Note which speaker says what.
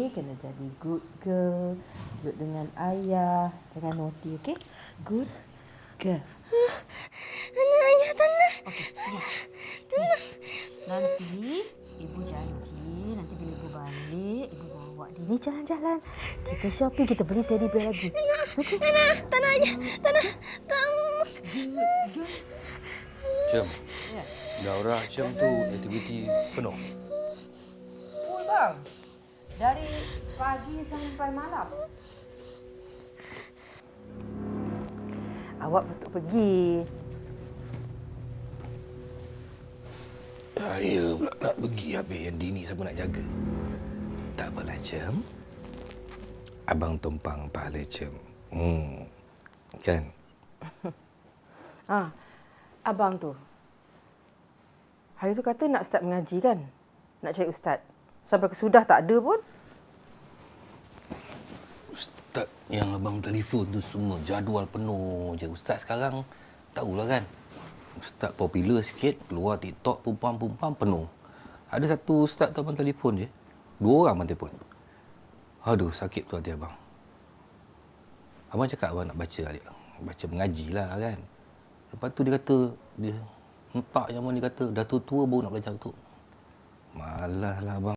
Speaker 1: ni kena jadi good girl. Duduk dengan ayah. Jangan naughty, okey? Good girl.
Speaker 2: Tanah, ayah, tanah.
Speaker 1: Okey, ni.
Speaker 2: Tanah.
Speaker 1: Nanti ibu janji, nanti bila ibu balik, ibu bawa dia ni jalan-jalan. Kita shopping, kita beli teddy bear lagi. Okey?
Speaker 2: Tanah, ayah. Tanah.
Speaker 1: Good girl.
Speaker 3: Cem,
Speaker 1: Ya.
Speaker 3: daurah Cem tu aktiviti penuh.
Speaker 1: Oh, bang. Dari pagi sampai malam. Awak betul pergi.
Speaker 3: Saya pula nak pergi habis yang Dini siapa nak jaga. Tak apalah Cem. Abang tumpang pahala Cem. Kan?
Speaker 1: Abang tu. Hari tu kata nak start mengaji kan? Nak cari ustaz. Sampai kesudah tak ada pun.
Speaker 3: Ustaz yang abang telefon tu semua jadual penuh je. Ustaz sekarang tahulah kan. Ustaz popular sikit, keluar TikTok, perempuan-perempuan penuh. Ada satu ustaz tu abang telefon je. 2 orang abang telefon. Aduh, sakit tu hati abang. Abang cakap abang nak baca adik. Baca mengaji lah kan. Lepas tu dia kata, dia hentak je abang, dia kata dah tua-tua baru nak belajar tu. Malas lah abang.